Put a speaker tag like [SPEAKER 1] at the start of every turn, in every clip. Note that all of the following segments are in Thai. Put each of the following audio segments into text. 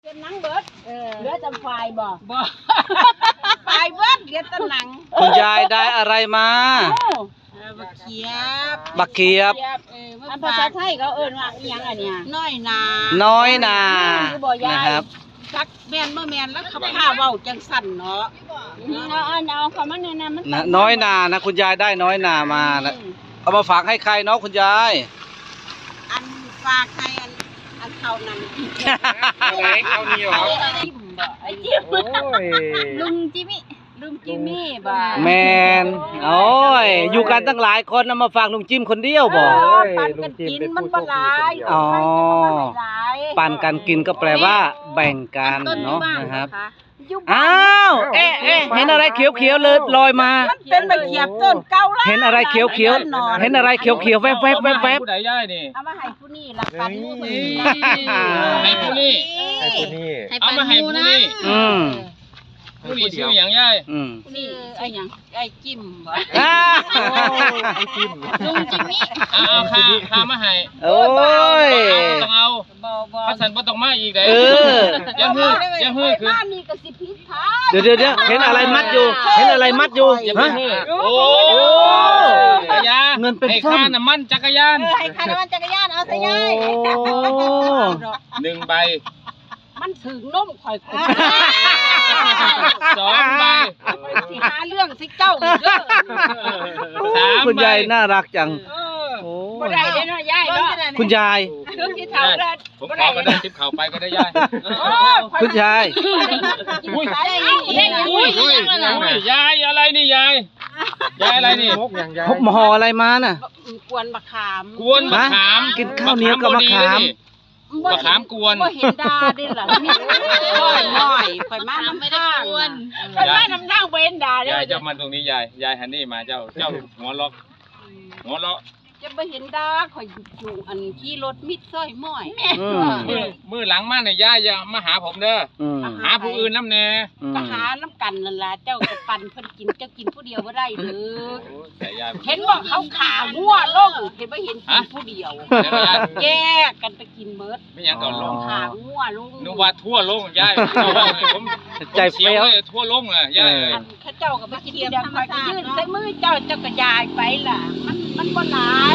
[SPEAKER 1] เก็บหนังเบิดเหลือแต่ไฟบ่ไฟเบิดเหลือแต่หนัง
[SPEAKER 2] คุณยายได้อะไรมา
[SPEAKER 1] บักเขียบ
[SPEAKER 2] อัน
[SPEAKER 1] ภาษาไทยเขาเอิ้นว่าอีหยังอันเนี้ยน้อยนา
[SPEAKER 2] นะครับ
[SPEAKER 1] จักแม่นบ่แม่นแล้วเขาพาเว้าจังสั่นเนาะเอาคำว่าเนี่ยมัน
[SPEAKER 2] น้อยนานะคุณยายได้น้อยนามานะเอามาฝากให้ใครเนาะคุณยาย
[SPEAKER 1] อันฝากให้อันเขานั่น
[SPEAKER 3] อะไรเขานี่หรอ
[SPEAKER 1] ไอ้จิ้ม
[SPEAKER 4] ลุงจิมี่
[SPEAKER 1] บ่
[SPEAKER 2] แมนโอ้ยอยู่กันตั้งหลายคนนะมาฝากลุงจิ้มคนเดียวบ่
[SPEAKER 1] ปั่นกันกินมันบ่หลาย
[SPEAKER 2] ปั่นกันกินก็แปลว่าแบ่งกันเนาะนะครับอ้าวเอ๊ะเห็นอะไรเขียวๆเลยลอยมา
[SPEAKER 1] มันเป็นใบเขียบต้นเก่าแล้ว
[SPEAKER 2] เห็นอะไรเขียวเห็นอะไรเขียวแวบ
[SPEAKER 3] ผู้ใดย่ายนี่
[SPEAKER 1] เอามาให้ผู้นี่ละกัน
[SPEAKER 3] ให้ผู้นี่เอามาให้ผู้นี่ผู้นี่ชื่ออย่างย่าย
[SPEAKER 1] นี่ไอ้หยังไอ้จิ้มบ่
[SPEAKER 3] ไอ้จิ้ม
[SPEAKER 4] ลุงจิมมี่
[SPEAKER 3] เอาข้ามาให้
[SPEAKER 2] โอ้ย
[SPEAKER 3] ต้องเอาพระสันบ่ต้องมาอีกเด้ยังฮือคือ
[SPEAKER 1] บ้านนี่ก็สิผิดทาง
[SPEAKER 2] เดี๋ยวเห็นอะไรมัดอยู่ฮะ
[SPEAKER 3] โอ้ยา
[SPEAKER 2] เงินเป็น
[SPEAKER 3] ให้ค่าน้ำมันจักรยาน
[SPEAKER 1] ให้ค่าน้ำมันจักรยานเอาซะยาย
[SPEAKER 3] 1 ใบ
[SPEAKER 1] มันถึงนมข่อย2
[SPEAKER 3] ใบ
[SPEAKER 1] สิหาเรื่องสิเจ้าอีกเด้
[SPEAKER 3] อ3
[SPEAKER 2] คุณยายน่ารักจัง
[SPEAKER 1] บ่ได้เด้เนาะยายเนาะ
[SPEAKER 2] คุณยาย
[SPEAKER 1] ถึงสิเฒ่าแล้ว
[SPEAKER 3] ผมขอก็ได้ทิปเข้าไปก็ได้ยาย
[SPEAKER 2] คุณยาย
[SPEAKER 3] ยายอะไรนี่ยายอะไรนี่
[SPEAKER 2] พกหม้ออะไรมาน่ะ
[SPEAKER 1] กวนมะขาม
[SPEAKER 2] กินข้าวเหนียวกับมะขาม
[SPEAKER 3] กวน
[SPEAKER 1] บ่เห็นดาดิล่ะนี่น้อยข่อยมาน้ำทางข่อยมาน้ำทางบ่เห็นดาเด้
[SPEAKER 3] ยายจะมาตรงนี้ยายฮันนี่มาเจ้าหัวเราะ
[SPEAKER 1] จะบ่เห็นดาข่อยอยู่อันขี่รถมิดซอยม้อย
[SPEAKER 3] มือหลังมาเนี่ยยายอย่ามาหาผมเด้อหาผู้อื่นน้ำแน่
[SPEAKER 1] ก็หาน้ำกันนั่นล่ะเจ้าก็ปั่นเพิ่นกินเจ้ากินผู้เดียวบ่ได้เด้อเห็นบ่เขาขางัวลงเห็นบ่เห็นกินผู้เดียวแยกกันไปกินเบิด
[SPEAKER 3] ไม่หยังก่อนลง
[SPEAKER 1] ขางัวลง
[SPEAKER 3] นึกว่าทั่วลงยายผม
[SPEAKER 2] ใจเฟี้ยว
[SPEAKER 3] ทั่วลงอ่ะยาย
[SPEAKER 1] ข้าเจ้าก็ไปกินเดียวข่อยก็ยื่นใส่มือเจ้าก็ยายไปล่ะมันบ่หลาย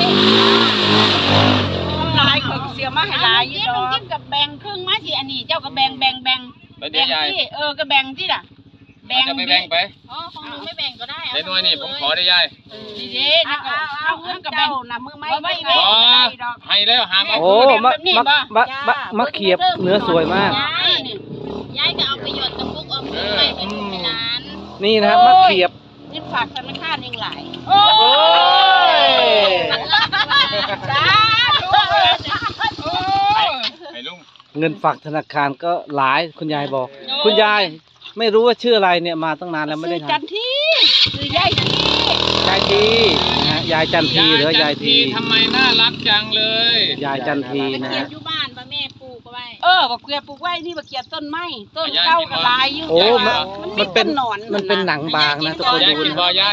[SPEAKER 1] ข่อยเสียมาให้หลายอยู่ดอก
[SPEAKER 4] จิ้มกับแบ่งครึ่งมาสิอันนี้เจ้าก็แบ่งที่ก็แบ่งที่ล่ะ
[SPEAKER 3] จะไม่แบ่งไป
[SPEAKER 4] ของหนูไม่แบ่งก็ได้
[SPEAKER 3] เดี๋ยวหน่วยนี่ผมขอได้ยาย
[SPEAKER 4] ดีๆนี่ก็เอาเงินกับแบ่ง
[SPEAKER 1] นะมือไม่
[SPEAKER 3] ให้แล้วหามา
[SPEAKER 2] โอ้มะเขียบเนื้อสวยมาก
[SPEAKER 4] ยายก็เอาไปหยดกระปุกเอาไปให้ลูกให้หลาน
[SPEAKER 2] นี่นะครับมะเขียบ
[SPEAKER 1] นี่ฝากธนาคารยังหลาย
[SPEAKER 2] โอ้ยเงินฝากธนาคารก็หลายคุณยายบอกคุณยายไม่รู้ว่าชื่ออะไรเนี่ยมาตั้งนานแล้วไม่ได้
[SPEAKER 1] จันทีคือยายที
[SPEAKER 2] นะยายจันทีหรือยายที
[SPEAKER 3] ทำไมน่ารักจังเลย
[SPEAKER 2] ยายจันทีนะ
[SPEAKER 4] เขียนอยู่บ้านป้าแม่ปลูกไว้
[SPEAKER 1] บักเขียบปลูกไว้นี่บักเขียบต้นไม้ต้นเก่าก็หลายอยู่
[SPEAKER 2] โอ้มันเป็นหนังบางนะทุกคนดู
[SPEAKER 3] นะยาย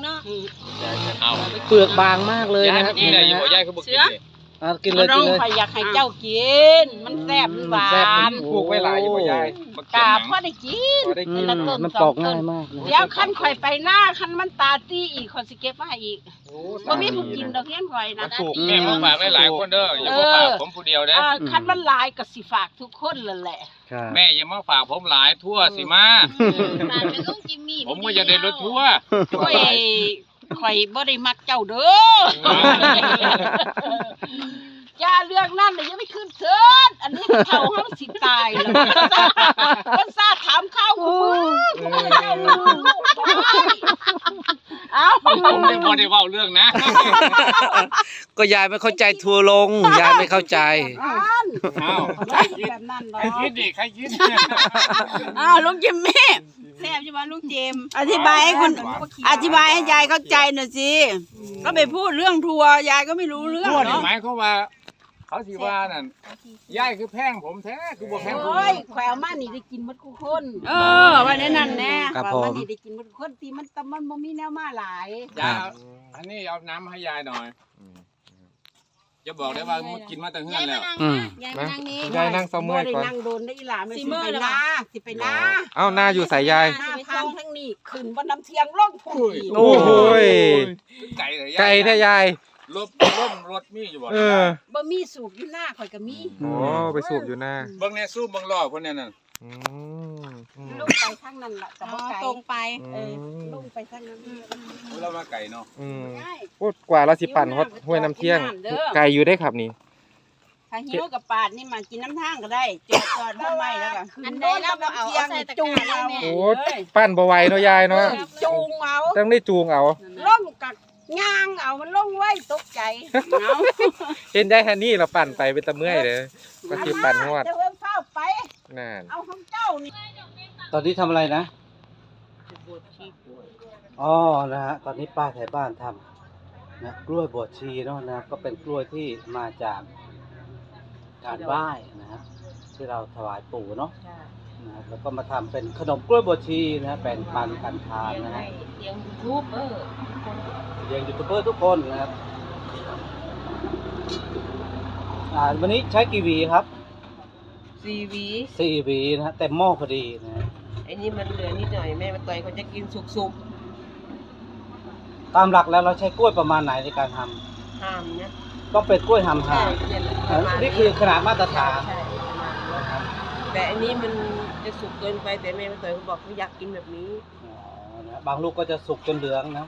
[SPEAKER 2] เปลือกบางมากเลยนะครับ
[SPEAKER 3] กินได้อยู่ยายเขาบอก
[SPEAKER 2] กินเลย
[SPEAKER 1] อยากให้เจ้ากินมันแซ่บหวาน
[SPEAKER 3] ปลูกไว้หลายอยู่ยาย
[SPEAKER 1] กาพ่อได้กิน
[SPEAKER 2] มันปอกง่ายมาก
[SPEAKER 1] เดี๋ยวขั้นข่อยไปหน้าขั้นมันตาตี้อีกคนสิเก็บมาให้อีกบ่มีผู้กินดอกเงี้ยข่อยนะ
[SPEAKER 3] แม่ผมฝากไว้หลายคนเด้ออย่ามาฝากผมผู้เดียวเด้อ
[SPEAKER 1] ขั้นมันหลายก็สิฝากทุกคนแหละ
[SPEAKER 3] แม่อย่ามาฝากผมหลายทั่วสิมาผมก็จะได้รถทั่ว
[SPEAKER 1] ข่อยบ่ได้มักเจ้าเด้อย่าเรื่องนั้นเลยอย่าไปขึ้นเถิดอันนี้เฒ่าเฮาสิตายแล้วคนซ่าถามข้าวกูมึงเจ้าลูก
[SPEAKER 3] ผมไม่พอได้เว้าเรื่องนะ
[SPEAKER 2] ก็ยายไม่เข้าใจทัวลงยายไม่เข้าใจ
[SPEAKER 1] แบบนั้นเนาะ
[SPEAKER 3] ใครคิดดิใครคิด
[SPEAKER 1] ลุงจิมมี่แซ่บใช่ไหมลุงเจมอธิบายให้ยายเข้าใจหน่อยสิก็ไปพูดเรื่องทัวร์ยายก็ไม่รู้เรื่อง
[SPEAKER 3] เนาะหมายเขาว่าเขาสิว่านั่นยายคือแพงผมแท้คือบ่แพงผม
[SPEAKER 1] แขวมานี่ได้กินหมดทุกคนว่าแน่นั่นแน่แขวมานี่ได้กินหมดทุกคนที่มันบ่มีแนวมาหลาย
[SPEAKER 3] อันนี้เอาน้ำให้ยายหน่อยจะบอกได้ว่ามึงกินมาตั้งเฮือนแล้ว
[SPEAKER 4] ยายมานั่งนี่
[SPEAKER 5] ยายนั่งเศร้าเมื่อยก่อน
[SPEAKER 1] นั่งโดนได้อีหลาไม่
[SPEAKER 4] สิ
[SPEAKER 1] สิ
[SPEAKER 4] เมื่
[SPEAKER 1] ไป
[SPEAKER 4] อยแล้ว
[SPEAKER 1] นา
[SPEAKER 4] วะ
[SPEAKER 1] สิไปนา
[SPEAKER 5] เอ้าหน้าอยู่สายยาย
[SPEAKER 1] หน้าทางทั้งนี้ขึ้นบนน้ำเทียงล่องพุ่ง
[SPEAKER 5] โอ้โหย
[SPEAKER 3] ไก่เลย
[SPEAKER 5] ไก่แท้ยาย
[SPEAKER 3] ล่มรถมีอยู่บ่
[SPEAKER 5] เออ
[SPEAKER 1] บ่มีสูบอยู่หน้าข่อยก็มี
[SPEAKER 5] โอ้ไปสูบอยู่หน้า
[SPEAKER 3] เบิ่งแน่สู้เบิ่งล้อเพิ่นเนี่ยนั่น
[SPEAKER 5] อืม
[SPEAKER 1] ลงไปทางนั้นล่ะแต่บ่ไกล
[SPEAKER 4] ตรงไป
[SPEAKER 1] เออลงไปทางนั้น
[SPEAKER 3] เรามาไก่เนาะ
[SPEAKER 5] อืมพูดกว่าเราสิปั่นฮอดห้วยน้ำเที่ยง ไกลอยู่ได้ครับนี่
[SPEAKER 1] ถ้าหิวกับปาดนี่มากินน้ำทางก็ได้จอดจอดทำไมแล้วก็ขึ้น
[SPEAKER 4] อัน
[SPEAKER 1] ร
[SPEAKER 4] ใด
[SPEAKER 1] ถ
[SPEAKER 4] เราบ่เอา
[SPEAKER 1] น้ำเทียง
[SPEAKER 4] เอาใส่ตะก
[SPEAKER 1] จูง
[SPEAKER 4] ร้า
[SPEAKER 1] เอา
[SPEAKER 4] เลยแม่
[SPEAKER 5] โอ้ปั่นบ่ไหวเนาะยายเนาะ
[SPEAKER 1] จูงเอา
[SPEAKER 5] ต้องได้จูงเอา
[SPEAKER 1] ล่องกับย่างเอามันล่องไว้ตกใจเอา
[SPEAKER 5] เห็นได้แค่นี้เราปั่นไปเป็นตะเมื่อยเลยก็สิปั่นฮอด
[SPEAKER 1] เดี๋ยวเอิ้นเฝ้าไป
[SPEAKER 5] นั่น
[SPEAKER 1] เอาของเจ้านี่
[SPEAKER 2] ตอนนี้ทำอะไรนะอ๋อนะฮะตอนนี้ป้าไทยบ้านทำนะกล้วยบวชชีเนาะนะครับก็เป็นกล้วยที่มาจากการไหว้นะครับที่เราถวายปู่เนาะนะครับแล้วก็มาทำเป็นขนมกล้วยบวชชีนะฮะแบ่งปันกันทานนะฮะ
[SPEAKER 4] เลี้ยงยูทูบ
[SPEAKER 2] เลี้ยงยูทูบเบอร์ทุกคนนะครับวันนี้ใช้กี่หวีครับ
[SPEAKER 6] 4 หวี
[SPEAKER 2] 4 หวีนะฮะเต็มหม้อพอดีนะฮะ
[SPEAKER 6] ไอ้นี่มันเหลือนิดหน่อยแม่มาต่อยเขาจะกินสุก
[SPEAKER 2] ตามหลักแล้วเราใช้กล้วยประมาณไหนในการท
[SPEAKER 6] ๆห้ามนะ
[SPEAKER 2] ำก็เป็นกล้วยหำหา
[SPEAKER 6] เนี่ยประมาณ
[SPEAKER 2] นี่คือขนาดมาตรฐาน
[SPEAKER 6] ใช่ประมาณนั้นแต่อันนี้มันจะสุกเกินไปแต่แม่มาต่อยเขาบอกเขาอยากกินแบบนี้
[SPEAKER 2] อ๋อนะบางลูกก็จะสุกจนเหลืองนะ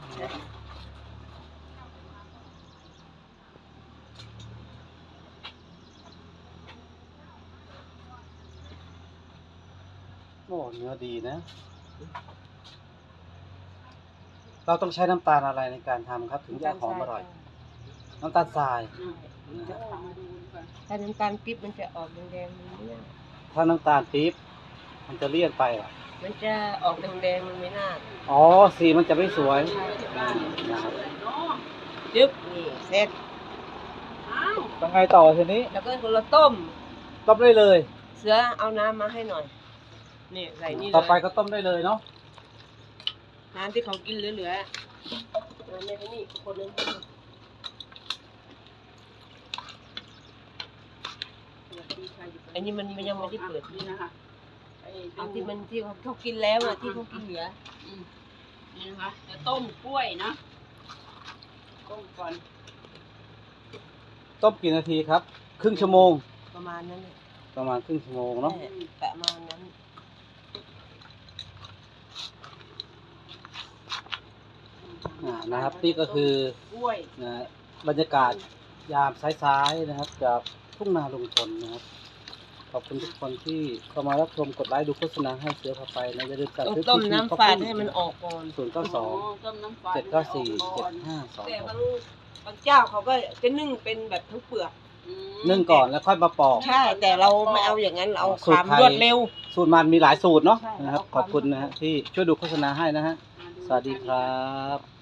[SPEAKER 2] โอ้เนื้อดีนะ เราต้องใช้น้ำตาลอะไรในการทำครับ ถึงจะหอมอร่อย น้ำตาลทราย
[SPEAKER 6] ถ้าน้ำตาลปิ๊บมันจะออกแดงๆมันไม่น่า
[SPEAKER 2] ถ้าน้ำตาลปี๊บมันจะเลี่ยนไปเหรอ
[SPEAKER 6] มันจะออกแดงๆมันไม่น่า
[SPEAKER 2] อ๋อสีมันจะไม่สวยนะครับ
[SPEAKER 6] จึ๊บนี่เสร็จ
[SPEAKER 2] ต้องไงต่อทีนี้
[SPEAKER 6] แล้วก็เราต้ม
[SPEAKER 2] ต้มได้เลย
[SPEAKER 6] เสือเอาน้ำมาให้หน่อยนี่ใส่นี่เลย
[SPEAKER 2] ต่อไปก็ต้มได้เลยเนาะ
[SPEAKER 6] น้ำที่เขากินเหลือๆน้ำในนี่คนนึงอันนี้มันยังไม่ได้เปิด
[SPEAKER 1] นี่นะคะ
[SPEAKER 6] เอาที่มันที่เขากินแล้วอ่ะที่เขากินเหลือ
[SPEAKER 1] นี่นะคะจะต้มกล้วยนะต้มก่อน
[SPEAKER 2] ต้มกี่นาทีครับ ครึ่งชั่วโมง
[SPEAKER 6] ประมาณนั้นเนี่ย
[SPEAKER 2] ประมาณครึ่งชั่วโมงเนาะ
[SPEAKER 6] ประมาณนั้น
[SPEAKER 2] นะครับนี่ก็คือก
[SPEAKER 1] ล้วย
[SPEAKER 2] นะบรรยากาศยามซ้ายๆนะครับจากทุ่งนาลุงพลนะครับขอบคุณทุกคนที่เข้ามารับชมกดไลค์ดูโฆษณาให้เสือพาไปนะอย่าลืมสั่ง
[SPEAKER 6] ต้อง
[SPEAKER 2] ซื้อ
[SPEAKER 6] ต้มน้ำฝาดให้มันออกก่อน
[SPEAKER 1] ต้มน้ำปลา
[SPEAKER 2] 092
[SPEAKER 6] แต่
[SPEAKER 2] 794
[SPEAKER 6] บางเจ้าเขาก็จะนึ่งเป็นแบบทั้งเปลือก
[SPEAKER 2] 7521นึ่งก่อนแล้วค่อยมาปอก
[SPEAKER 6] ใช่แต่เราไม่เอาอย่างนั้นเราเอา
[SPEAKER 2] สู
[SPEAKER 6] ค
[SPEAKER 2] ตร
[SPEAKER 6] วาม
[SPEAKER 2] ไทย
[SPEAKER 6] รวดเร็ว
[SPEAKER 2] สูตรมันมีหลายสูตรเนาะนะครับขอบคุณนะฮะที่ช่วยดูโฆษณาให้นะฮะสวัสดีครับ